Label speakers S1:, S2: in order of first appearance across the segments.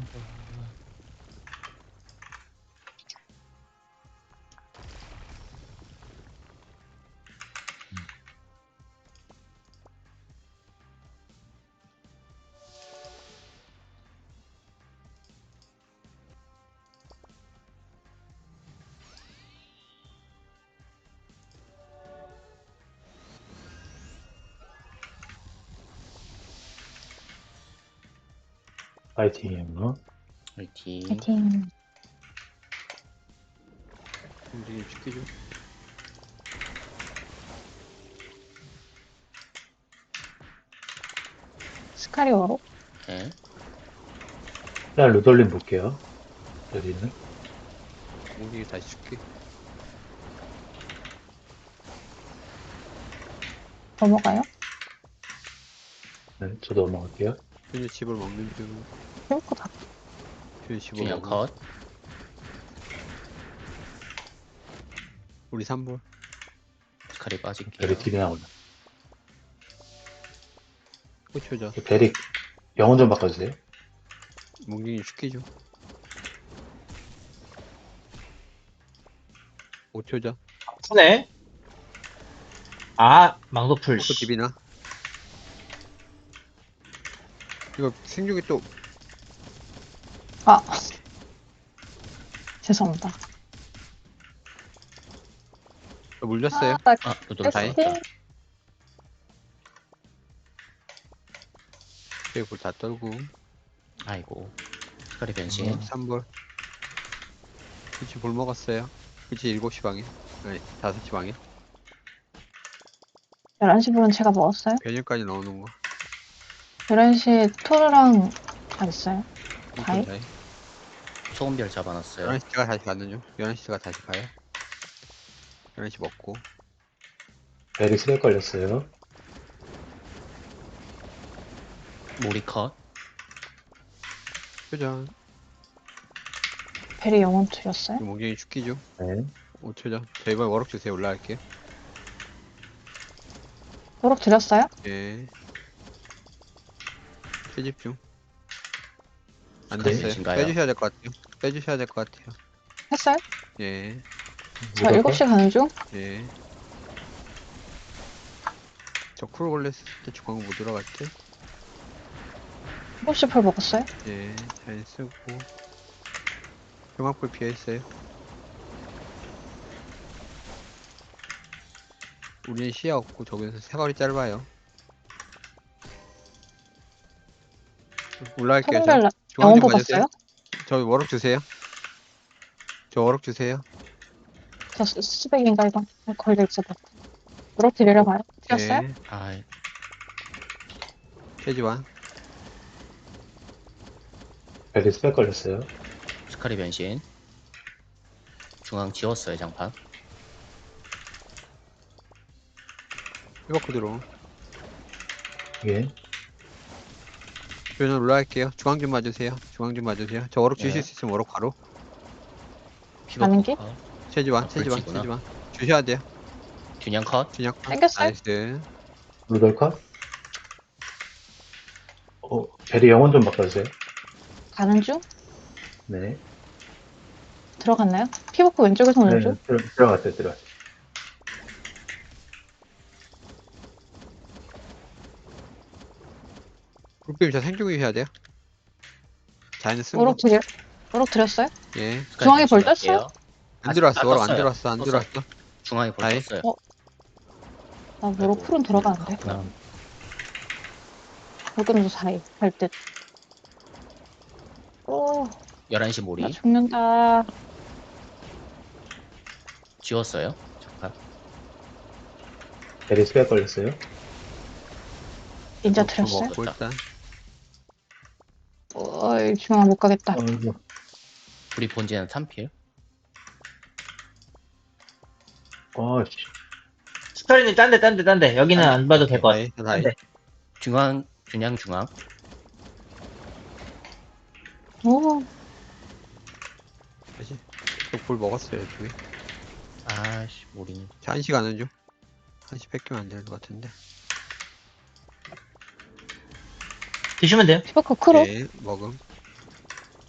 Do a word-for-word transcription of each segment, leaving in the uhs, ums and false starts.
S1: 파이팅이요.
S2: 화이팅.
S3: 파이팅.
S4: 움직임 시키죠.
S3: 스카리오로.
S2: 네.
S1: 일단 루돌림 볼게요. 여기는.
S4: 움직임 다시 시키.
S3: 넘어가요?
S1: 네, 저도 넘어갈게요.
S4: 현재 집을 먹는 중.
S3: 해볼 거 다.
S4: 현재 집을
S2: 균형
S4: 먹어.
S2: 컷.
S4: 우리 삼 볼.
S2: 스카리 빠질게요.
S1: 베리 딜이 나오네.
S4: 꽂혀져.
S1: 베리 영혼 좀 바꿔주세요.
S4: 움직임 시키죠. 오 초죠.
S5: 푸네. 아, 망도풀.
S4: 포크 집이나. 이거 생육이 또
S3: 아. 죄송합니다.
S4: 물렸어요.
S3: 아, 나
S2: 아, 루돌
S4: 다행.
S2: 쏘였다.
S4: 저기 볼다 떨고.
S2: 아이고. 스카리 변신.
S1: 음.
S4: 삼 볼. 그치 볼 먹었어요. 그치 일곱 시 방에. 아니 다섯 시 방에.
S3: 열한 시 분은 제가 먹었어요.
S4: 변형까지 넣어놓은 거.
S3: 열한 시에 토르랑 다 있어요. 다이?
S4: 다이.
S2: 소금별 잡아놨어요.
S4: 열한 시 제가 다시 가는 중. 열한 시 제가 다시 가요. 열한 시 먹고.
S1: 베리 스렉 걸렸어요.
S2: 모리 컷.
S4: 표정.
S3: 베리 영혼 드렸어요.
S4: 몽경이 죽기죠.
S1: 네.
S4: 오 초죠. 저 이번에 워럭 주세요. 올라갈게요.
S3: 노력 드렸어요?
S4: 예. 채집중. 안
S1: 스카이
S4: 됐어요.
S2: 변신가요?
S4: 빼주셔야 될 것 같아요. 빼주셔야 될 것 같아요.
S3: 했어요?
S4: 예.
S3: 저
S1: 루돌
S3: 일곱 시 가는 중.
S4: 예. 저 쿨골레스 때 중앙 못 들어갈 때.
S3: 일곱 시 풀 먹었어요?
S4: 예. 잘 쓰고. 중앙불 비어있어요. 우리는 시야 없고 저기서 사거리 짧아요. 올라갈게요. 저.
S3: 소금별 나-
S4: 중앙
S3: 영혼
S4: 좀 봐주세요.
S3: 뽑았어요?
S4: 저 워럭 주세요. 저 워럭 주세요.
S3: 저 스- 스백인가 이거 걸려있어. 노력 드리러 가요. 드렸어요?
S4: 예.
S2: 아,
S4: 최지완.
S1: 베리 스렉 걸렸어요.
S2: 스카리 변신. 중앙 지웠어요, 장판.
S4: 히버크 들어.
S1: 예.
S4: 저는 올라갈게요. 중앙 좀 봐주세요. 중앙 좀 봐주세요. 저 워럭 주실
S2: 네.
S4: 수 있으면 워럭 바로.
S3: 가는 길?
S2: 컷.
S4: 최지완,
S2: 아,
S4: 최지완,
S2: 불치구나.
S4: 최지완. 주셔야 돼요.
S2: 균형 컷.
S4: 준혁.
S3: 땡겼어요?
S4: 나이스.
S1: 루돌 컷. 어, 베리 영혼 좀 바꿔주세요.
S3: 가는 중?
S1: 네.
S3: 들어갔나요? 피부크 왼쪽에서 오는
S1: 네,
S3: 중?
S1: 들어, 들어갔어요, 들어갔어요.
S4: 굴빔 저 생중이 해야 돼요. 자연은 쓴 거.
S3: 노력 드려 노력 드렸어요?
S4: 예.
S2: 스카리
S3: 중앙에 볼
S2: 변신할게요.
S3: 떴어요?
S4: 안
S2: 아,
S4: 들어왔어.
S2: 아,
S4: 워럭 안
S2: 떴어요.
S4: 들어왔어. 안
S2: 떴어요.
S4: 들어왔어.
S2: 중앙에 볼
S4: 아이.
S2: 떴어요.
S3: 어? 나 노력 풀은 들어가는데.
S2: 갔구나.
S3: 볼금도 사이 할 듯. 오,
S2: 열한 시 모리.
S3: 나 죽는다.
S2: 지웠어요. 장판.
S1: 베리 스렉 걸렸어요.
S3: 인자
S2: 어,
S3: 드렸어요?
S2: 먹었다.
S4: 일단
S3: 어이, 중앙 못 가겠다.
S1: 어이구.
S2: 우리 본진은 삼 필.
S1: 어, 씨.
S5: 스카리님 딴 데, 딴 데, 딴 데. 여기는 안 봐도 될 것 같아.
S4: 다이.
S5: 딴
S4: 다이.
S5: 데.
S2: 중앙, 균형 중앙.
S3: 오,
S4: 다시. 저볼 먹었어요. 저기.
S2: 아씨, 모리는.
S4: 자, 한시 가는 중. 한시 뺏기면 안 될 것 같은데.
S5: 드시면 돼요.
S3: 피부크 크로?
S4: 예. 먹음.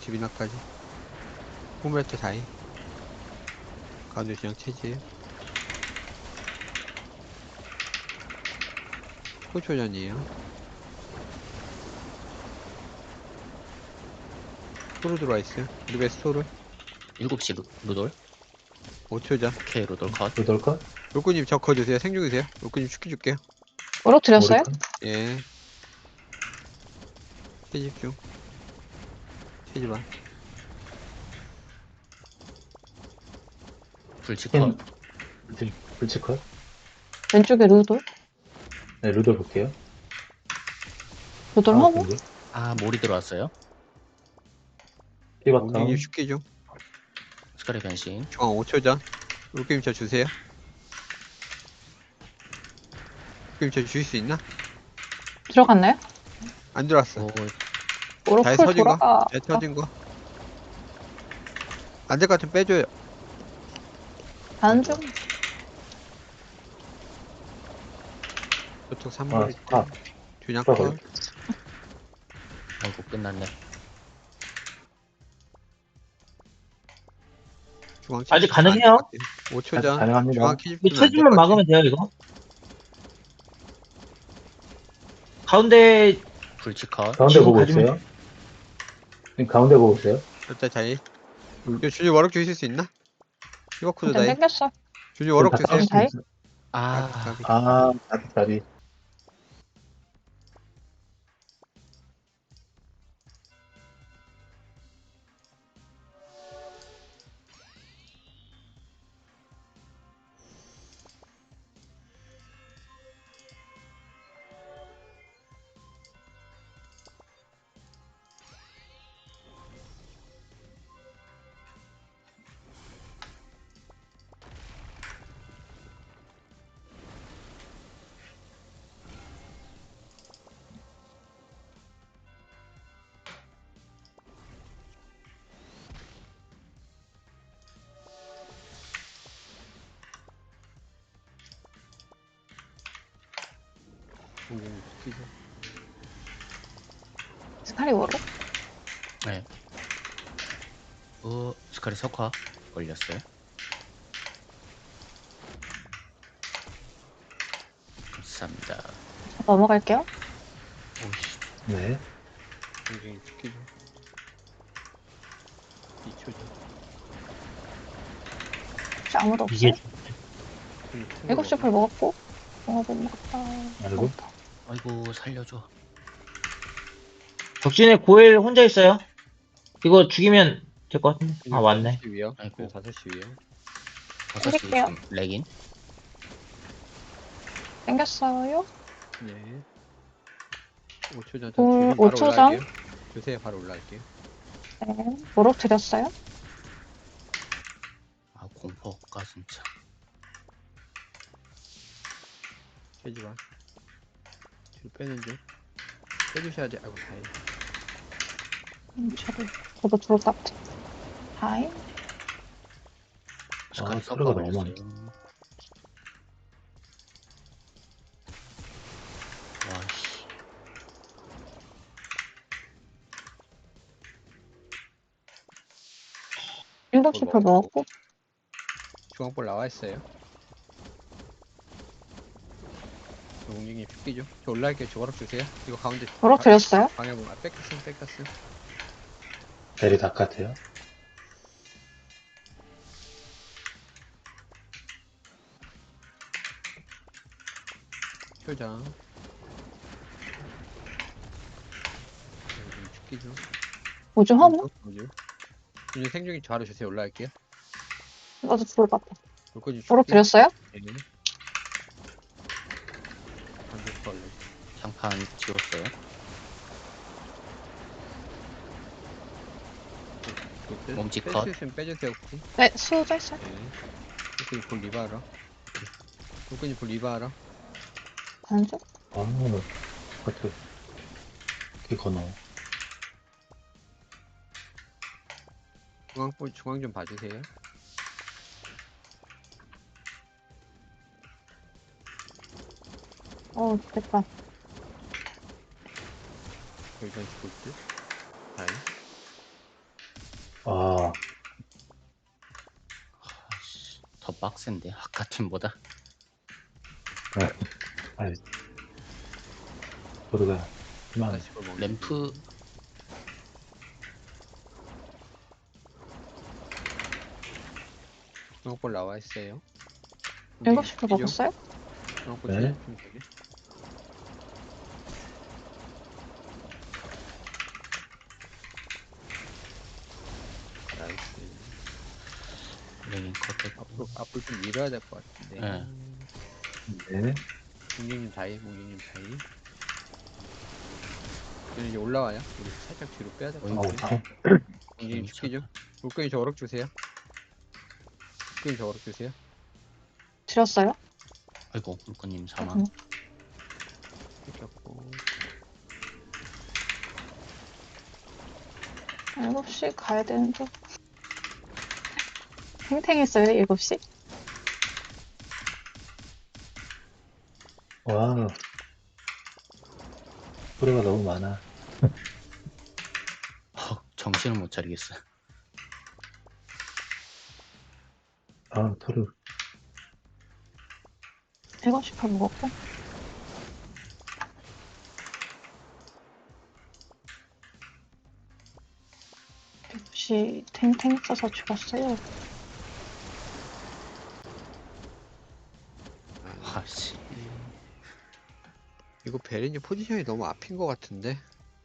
S4: 집이나까지. 포메트 다이. 가운데 그냥 체질. 초초전이에요. 토르 들어와 있어요. 리베스 토르.
S2: 일곱 시 루, 루돌.
S4: 오 초전.
S2: 오케이, 루돌 컷.
S1: 루돌까?
S4: 롤꾸님 저 거주세요. 생중이세요. 롤꾸님 축기 줄게요.
S3: 무너뜨렸어요?
S1: 모리카?
S4: 예. 채집 중. 채집아.
S2: 불치
S1: 캔.
S2: 컷.
S1: 불치, 불치컷?
S3: 왼쪽에 루돌?
S1: 네, 루돌 볼게요.
S3: 루돌
S1: 아,
S3: 허브?
S1: 근데
S2: 아, 몰이 들어왔어요.
S1: 피바탕.
S4: 옹기님 축기 중.
S2: 스카리 변신.
S4: 중앙 오 초전. 롤꾸님 저 주세요. 롤꾸님 저 주실 수 있나?
S3: 들어갔나요?
S4: 안 들어왔어.
S2: 오,
S4: 잘
S3: 오로풀
S4: 터진 거?
S3: 돌아가.
S4: 잘 터진 거? 안 될 것 같으면 빼줘요.
S3: 가는 중.
S4: 저쪽
S1: 아,
S4: 삼 번
S1: 아,
S4: 균양
S1: 아,
S4: 컷.
S2: 아이고, 끝났네.
S4: 중앙
S5: 아직 가능해요?
S4: 오 초전.
S1: 가능합니다.
S4: 중앙 키집
S5: 이 체질만 막으면 돼요, 이거. 가운데,
S2: 불치 컷.
S1: 가운데
S5: 지금
S1: 보고
S5: 가지면-
S1: 있어요. 지금 가운데 보고 있어요.
S4: 일단 자이. 이거 준이 워럭 주실 수 있나? 이거 코드
S3: 일단
S4: 다이.
S3: 땡겼어.
S4: 준이 워럭
S1: 다
S4: 주세요.
S1: 깎을 수
S3: 다이?
S1: 있어요.
S2: 아,
S4: 까비, 까비.
S1: 아, 나비, 나비.
S4: 옹기님 축기 중.
S3: 스카리 워로?
S2: 네. 오, 스카리 석화 걸렸어요. 감사합니다.
S3: 넘어갈게요.
S2: 오씨,
S1: 네.
S4: 옹기님 축기 중. 이 초전.
S3: 혹시 아무도
S5: 이게
S3: 없어요? 일곱 시 풀 먹었고. 어, 못 먹었다.
S1: 아이고.
S3: 먹었다.
S2: 아이고, 살려줘.
S5: 적진에 고엘 혼자 있어요. 이거 죽이면 될 것 같은데. 아, 왔네.
S4: 위요.
S2: 아이고.
S4: 다섯 시 위요.
S2: 다섯 시
S3: 땡길게요.
S2: 지금 렉인.
S3: 땡겼어요.
S4: 네. 오 초전.
S3: 오,
S4: 주시면
S3: 오
S4: 바로
S3: 초전.
S4: 올라갈게요. 주세요. 바로 올라갈게요.
S3: 네. 워로 드렸어요.
S2: 아, 공포 없가, 진짜.
S4: 채집아. 뒤로 빼는 중. 빼주셔야 돼. 아이고 다이.
S3: 음, 저도, 저도 좋을 것 같아. 다이.
S2: 스카리
S1: 아,
S2: 석화
S1: 소리가
S2: 걸렸어요.
S1: 너무
S2: 와씨.
S3: 일곱 시 풀 먹었고.
S4: 중앙볼 나와 있어요. 옹기님 축기 중. 저 올라갈게요. 저 워럭 주세요. 이거 가운데.
S3: 워로 드렸어요.
S4: 방해 보면 아, 뺏겼음 뺏겼음.
S1: 베리 다 같아요.
S4: 표장. 옹기님 축기 중.
S3: 오줌 허브?
S4: 뭐지? 이제 생중이 저 아래 주세요. 올라갈게요.
S3: 나도 좋을 것 같아.
S4: 물고기
S3: 워로
S4: 축기.
S3: 드렸어요?
S4: 네. 반대 벌레.
S2: 장판 지웠어요. 몸집 컷.
S4: 뺄수 있으면 빼주세요 혹시.
S3: 네, 수저 있어요.
S4: 네. 물고기 볼 리바하라. 물고기 볼 리바하라.
S3: 가는 중.
S1: 아, 나, 어떻게, 이렇게 건너.
S4: 중앙 볼 중앙 좀 봐주세요.
S3: 어, 됐다.
S4: 여기까지 볼 듯. 다이.
S1: 아,
S2: 아씨, 더 빡센데 아까 팀보다.
S1: 아이. 도르가, 그만.
S4: 다시 볼 먹는
S2: 램프
S4: 중앙볼 나와 있어요.
S3: 일곱 시도 먹었어요?
S4: 중앙볼
S1: 네.
S4: 채집하면 되네. 나이스.
S2: 레인 컷.
S4: 앞으로 앞으로 좀 밀어야 될 것 같은데.
S2: 네.
S1: 네.
S4: 공격님 다이, 공격님 다이. 저는 이제 올라와요. 우리 살짝 뒤로 빼야 될 것
S2: 어이구.
S1: 아우,
S4: 같아요.
S1: 참.
S4: 공격님 죽기죠. 물건이 저 어럭 주세요. 물건이 저 어럭 주세요.
S3: 드렸어요?
S2: 아이고 물건님 사망.
S3: 음.
S4: 뺏겼고.
S3: 일곱 시 가야 되는데. 탱탱했어요, 일곱 시?
S1: 와. 도르가 너무 많아.
S2: 헉, 정신을 못 차리겠어.
S1: 아, 토르.
S3: 일곱 시 발 먹었고. 일곱 시 탱탱 써서 죽었어요.
S4: 아,
S2: 아씨.
S4: 이거 베린이 포지션이 너무 앞인 것 같은데.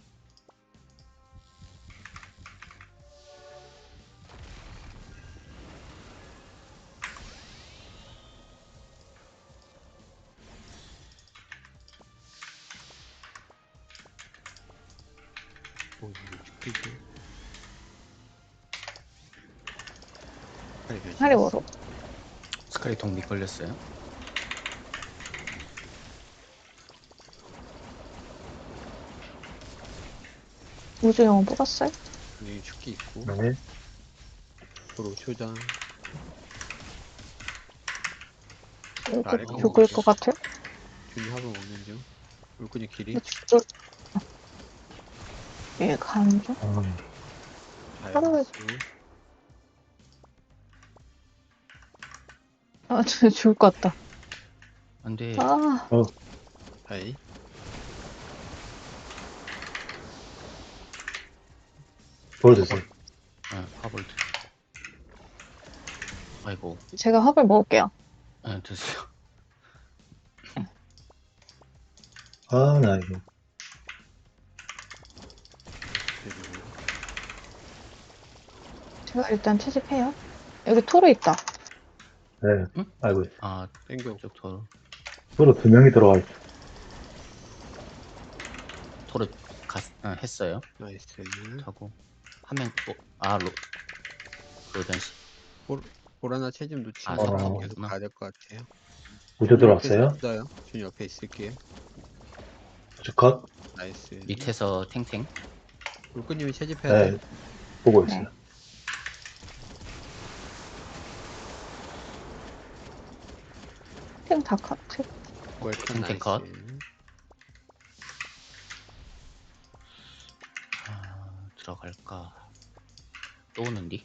S4: 오, 이거 죽기죠. 빨리 변신.
S3: 하리워로.
S2: 스카이 동미 걸렸어요.
S3: 우주영웅 뽑았어요?
S4: 공격님 죽기 있고.
S1: 네.
S4: 도로 초장.
S3: 이거
S4: 아래 거
S3: 죽을
S4: 먹을게요.
S3: 것 같아요?
S4: 준이 합을 먹는 중. 물건이 길이.
S3: 이거 죽을. 예, 가는 중.
S1: 음,
S3: 하루에-
S4: 다이아스.
S3: 아, 저 죽을 것 같다.
S2: 안돼.
S3: 아,
S4: 다이.
S1: 보여주세요.
S2: 아, 화볼. 아이고.
S3: 제가 합을 먹을게요.
S2: 아, 드세요.
S1: 아, 나 이거.
S4: 그리고
S3: 제가 일단 채집해요. 여기 토르 있다.
S1: 네.
S2: 응?
S1: 아이고.
S2: 아,
S4: 땡겨.
S2: 쪽 토르.
S1: 토르 두 명이 들어와 있어.
S2: 토르 갔, 아, 했어요.
S4: 나이스.
S2: 하고 한 명 또, 아, 로, 로전시.
S4: 볼 하나 채집 놓치면
S2: 아,
S1: 어.
S4: 계속 가야 될 것 같아요.
S1: 우주
S4: 준이 옆에
S1: 들어왔어요.
S4: 있어요. 준이 옆에 있을게요.
S1: 우주 컷.
S4: 나이스.
S2: 밑에서 탱탱.
S4: 물건님이 채집해야
S1: 네.
S4: 돼.
S1: 보고 있어요.
S3: 탱 다 카트.
S4: 월턴
S2: 탱탱
S4: 나이스.
S2: 컷. 아, 들어갈까. 또 오는디?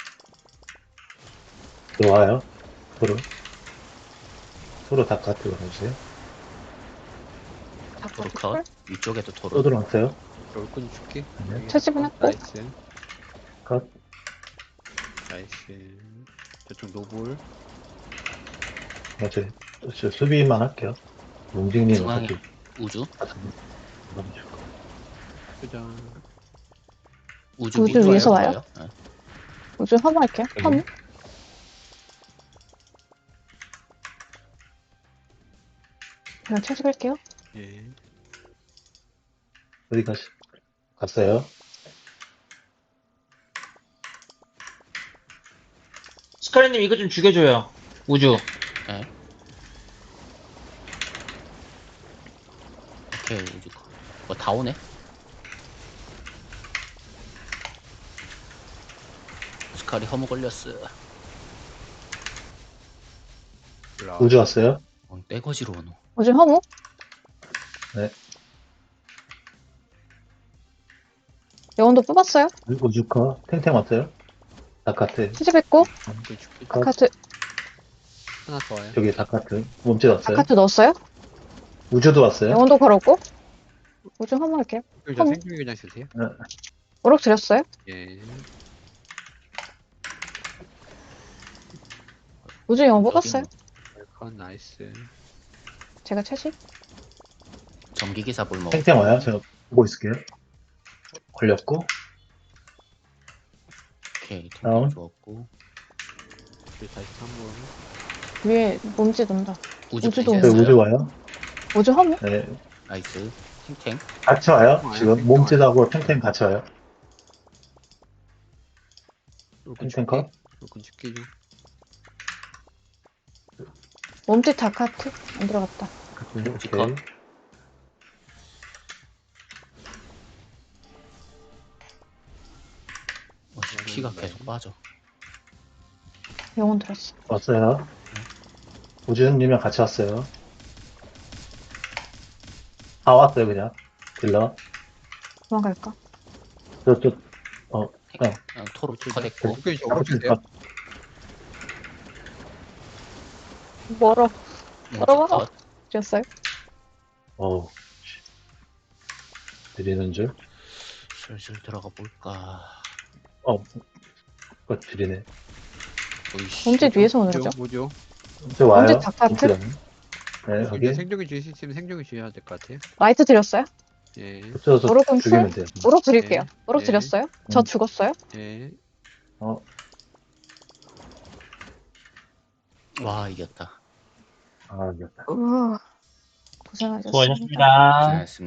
S1: 들어와요. 토르. 토르 다 카트 걸어주세요.
S3: 다
S2: 토르
S3: 카트
S2: 컷.
S3: 콜?
S2: 위쪽에도
S1: 또
S2: 토르.
S1: 들어왔어요.
S4: 월권이 줄게.
S1: 네.
S3: 채집은 했고.
S4: 나이스.
S1: 컷.
S4: 나이스. 저쪽 노볼.
S1: 어제 저 수비만 할게요. 움직이는
S2: 중앙에
S1: 어차피
S2: 우주.
S1: 다 잡는 거.
S4: 초장.
S2: 우주,
S3: 우주
S2: 밑으로
S3: 위에서
S2: 와요?
S3: 와요?
S2: 네.
S3: 우주 화물 할게요.
S1: 네.
S3: 화물. 제가 채집할게요.
S4: 예.
S1: 어디 가시? 갔어요.
S5: 스카리님 이거 좀 죽여줘요. 우주.
S2: 네. 오케이, 우주 컷. 어, 다 오네? 스카리 허무 걸렸어.
S4: 올라와.
S1: 우주 왔어요.
S2: 어, 떼거지로 오노.
S3: 우주 화물?
S1: 네.
S3: 영혼도 뽑았어요?
S1: 우주 컷. 탱탱 왔어요. 다카트.
S3: 수집했고,
S4: 그 죽기.
S1: 컷.
S3: 다카트,
S4: 하나 더 와요.
S1: 저기 다카트. 몸짓 왔어요.
S3: 다카트 넣었어요?
S1: 우주도 왔어요.
S3: 영혼도 걸었고, 우주 한번 할게요.
S4: 저
S3: 음.
S4: 생중이 그냥 주세요.
S3: 오락 드렸어요?
S4: 예.
S3: 우주 영혼 뽑았어요?
S4: 웰컨 나이스.
S3: 제가 채식?
S2: 전기기사 볼 먹어.
S1: 탱탱 와요. 제가 보고 있을게요. 걸렸고.
S2: 오케이.
S1: 다운.
S2: 탱탱 주었고.
S4: 우리 다시 한번.
S3: 위에 몸짓 온다.
S2: 우주
S3: 우주도
S1: 저기
S2: 펜스했어요.
S1: 우주 와요.
S3: 우주 하면?
S1: 네.
S2: 나이스. 탱탱.
S1: 같이 와요.
S4: 와요.
S1: 지금
S4: 탱탱
S1: 몸짓하고 탱탱 같이 와요.
S4: 웰컨
S1: 탱탱
S4: 죽기.
S1: 컷.
S4: 웰컨 죽기 중.
S3: 몸짓 다카트? 안 들어갔다.
S2: 우주
S1: 오케이.
S2: 컷. 어, 피가 계속 빠져.
S3: 영혼 들었어.
S1: 왔어요. 우주님이랑 같이 왔어요. 다 왔어요, 그냥. 딜러.
S3: 도망갈까?
S1: 저, 저,
S2: 탱, 어, 토로 컷했고.
S4: 죽기 중.
S1: 아무튼
S4: 오른쪽이요.
S1: 다-
S3: 멀어.
S2: 우주
S3: 걸어봐.
S2: 컷.
S3: 드렸어요?
S1: 어우. 드리는 줄.
S2: 슬슬 들어가 볼까.
S1: 어, 그거 드리네.
S2: 오이씨.
S3: 몸짓 위에서 오는 거죠?
S4: 뭐죠?
S1: 저 와요.
S3: 언제 다카트?
S1: 몸짓 안- 네,
S4: 이제
S1: 여기.
S4: 생존기 주실 수 있으면 생존기 주셔야 될 것 같아요.
S3: 라이트 드렸어요?
S4: 예.
S1: 붙여서
S3: 오락은
S1: 죽이면 돼요.
S3: 오락 드릴게요.
S4: 네.
S3: 오락
S4: 네.
S3: 드렸어요? 저
S1: 음.
S3: 죽었어요?
S4: 예.
S1: 어,
S2: 와, 이겼다.
S1: 아, 이겼다.
S3: 우와. 고생하셨습니다.
S5: 수고하셨습니다.
S2: 고생했습니다.